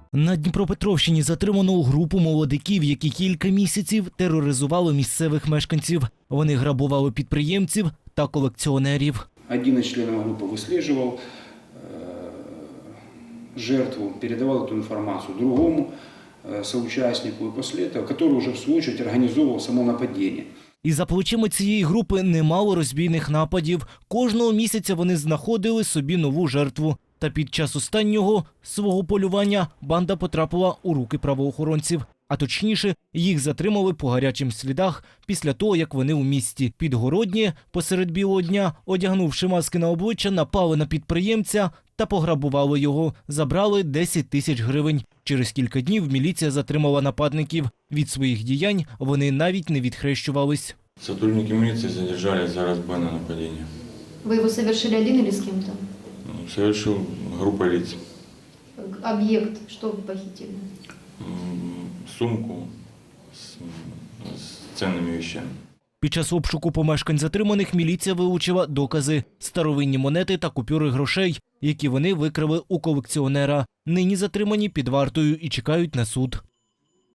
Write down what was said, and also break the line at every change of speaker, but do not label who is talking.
На Дніпропетровщині затримано групу молодиків, які кілька місяців тероризували місцевих мешканців. Вони грабували підприємців та колекціонерів.
Один из членов группы выслеживал жертву, передавал эту информацию другому соучастнику, и после этого, который уже в свою очередь организовывал само нападение.
І за плечима цієї групи немало розбійних нападів. Кожного місяця вони знаходили собі нову жертву. Та під час останнього свого полювання банда потрапила у руки правоохоронців. А точніше, їх затримали по гарячим слідах після того, як вони у місті Підгороднє посеред білого дня, одягнувши маски на обличчя, напали на підприємця та пограбували його. Забрали 10 тисяч гривень. Через кілька днів міліція затримала нападників. Від своїх діянь вони навіть не відхрещувались.
Сотрудники милиции задержали за разбойное нападение.
Вы его совершили один или с кем-то?
Совершил группа лиц.
Объект, что вы похитили?
Сумку с ценными вещами.
Під час обшуку помешкань затриманих міліція вилучила докази – старовинні монети та купюри грошей, які вони викрали у колекціонера. Нині затримані під вартою і чекають на суд.